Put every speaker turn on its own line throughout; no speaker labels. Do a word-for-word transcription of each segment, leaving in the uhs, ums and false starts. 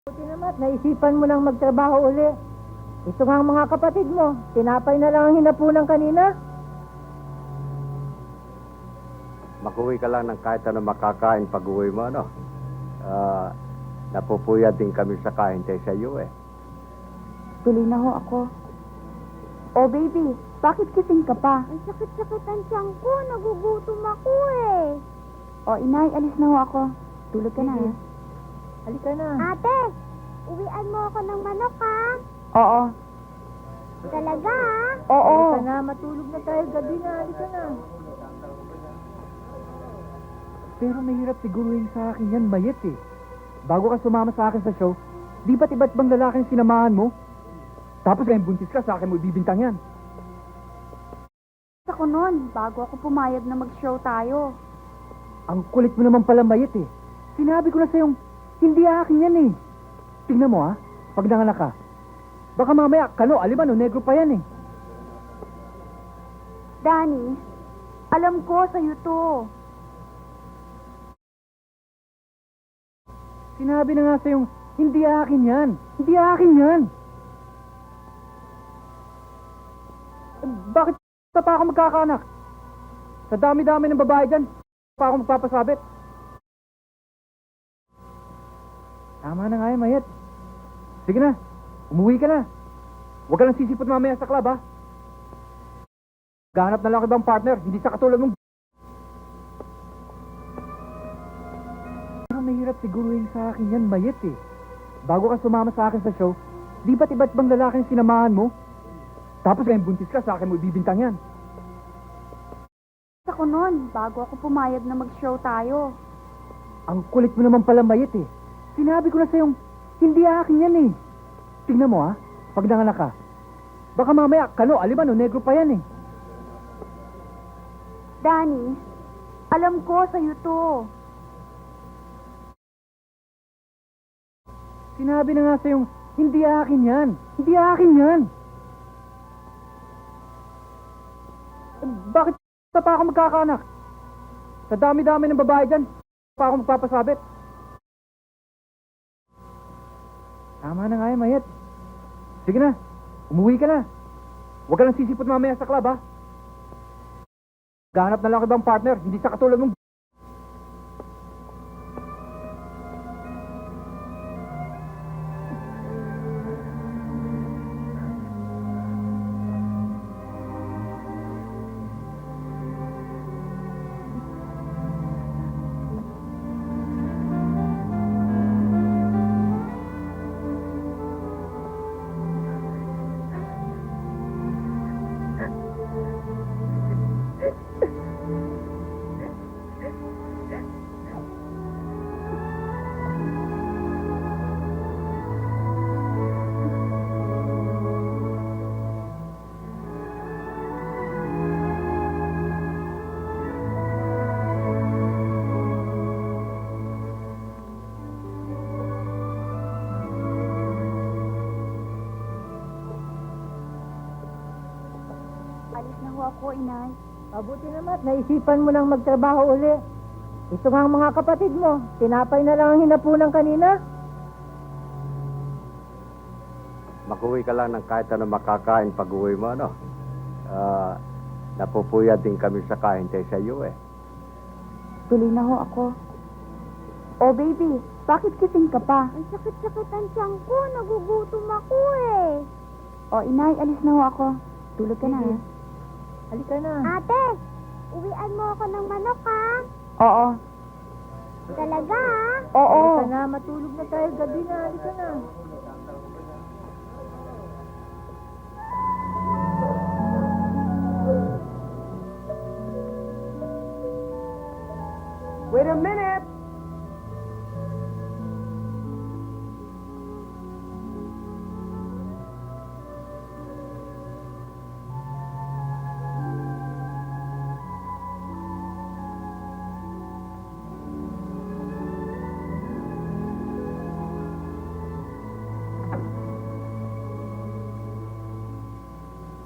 Buti naman, naisipan mo nang magtrabaho uli. Ito nga ang mga kapatid mo. Tinapay na lang ang hinapunan kanina.
Mag-uwi ka lang ng kahit ano makakain pag-uwi mo, ano? Ah, napupuyat din kami sa kahintay sa iyo, eh.
Tuloy na ho ako. Oh, baby, bakit kising ka pa?
Ang sakit-sakit ang tiyan ko. Nagugutom ako eh.
Oh, inay, alis na ho ako. Tulog ka na,
Sige.
ha?
Halika na.
Ate, uwian mo ako ng manok ha.
Oo.
Talaga ha?
Oo.
Halika na, matulog na tayo gabi na. Halika na.
Pero mahirap siguruhin sa akin yan, Mayet eh. Bago ka sumama sa akin sa show, di ba't iba't bang lalaking sinamahan mo? Tapos ngayon buntis ka, sa akin mo ibibintang yan.
Ako nun, bago ako pumayag na mag-show tayo.
Ang kulit mo naman pala, Mayet eh. Sinabi ko na sa'yong, hindi akin yan eh. Tingnan mo ha, pag nanganak ka. Baka mamaya, kano, alimano, negro pa yan eh.
Danny, alam ko sa'yo to.
Sinabi na nga sa'yong, hindi akin yan. Hindi akin yan. Eh, bakit pa ako magkakaanak? Sa dami-dami ng babae dyan, pa ako magpapasabit. Tama na nga yan, Mayet. Sige na, umuwi ka na. Huwag ka lang sisipot mamaya sa club, ha? Gahanap na lang ako ibang partner, hindi sa katulad mong... Pero mahirap siguruhin sa akin yan, Mayet eh. Bago ka sumama sa akin sa show, di ba't iba't bang lalaking sinamahan mo? Tapos ngayon buntis ka, sa akin mo ibibintang yan.
Ako nun, bago ako pumayag na mag-show tayo.
Ang kulit mo naman pala, Mayet eh. Sinabi ko na sa'yong, hindi akin yan eh. Tingnan mo ha, pag nanganak ka. Baka mamaya, kano, alimano, negro pa yan eh.
Danny, alam ko sa'yo to.
Sinabi na nga sa'yong, hindi akin yan. Hindi akin yan. Eh, bakit pa ako magkakaanak? Sa dami-dami ng babae dyan, pa ako magpapasabit. Tama na nga yan, Mayet. Sige na, umuwi ka na. Huwag ka lang sisipot mamaya sa club, ha? Gahanap na lang ako ibang partner, hindi sa katulad mong...
Alis na ho ako, inay.
Mabuti naman, naisipan mo nang magtrabaho uli. Ito nga ang mga kapatid mo. Tinapay na lang ang hinapunan kanina.
Mag-uwi ka lang ng kahit ano makakain pag-uwi mo, ano? Ah, napupuyat din kami sa kahintay sa iyo, eh.
Tuloy na ho ako. Oh, baby, bakit kising ka pa?
Ang sakit-sakit ang tiyan ko. Nagugutom ako eh.
Oh, inay, alis na ho ako. Tulog ka na,
Sige.
ha?
Halika na.
Ate, uwian mo ako ng manok ha.
Oo.
Talaga ha?
Oo.
Halika na, matulog na tayo gabi na. Halika na.
Wait a minute!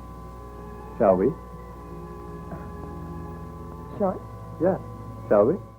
Shall we?
Shall
Yeah, shall we?